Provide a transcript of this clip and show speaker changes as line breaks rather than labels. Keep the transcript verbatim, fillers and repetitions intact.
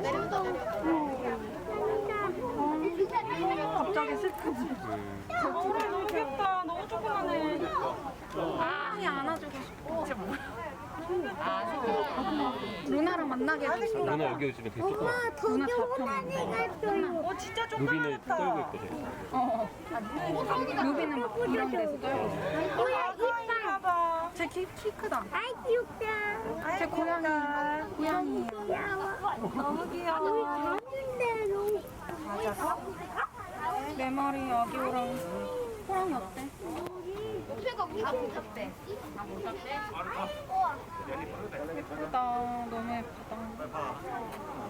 내린다 내린다.
갑자기 슬프지. 너무 좋겠다. 너무 조그만해. 아, 안아주고 싶어. 진짜 뭐야? 루나랑 만나게 해주고.
누나 여기 오시면 되게 조금
엄마 더
누나
조그만 애가 있어요.
어, 진짜
루비는
조그맣다.
떨고 있거든.
어. 루비는 막 이런 데서 떨고 있어.
뭐야 이빨.
봐봐. 제 키, 키 크다.
아이 귀엽다.
제 고양이. 고양이에요.
귀여워.
너무 귀여워.
작은 대로.
내 머리 여기랑 호랑이 어때?
목표가 다 못잡대. 다 못잡대?
예쁘다. 너무 예쁘다.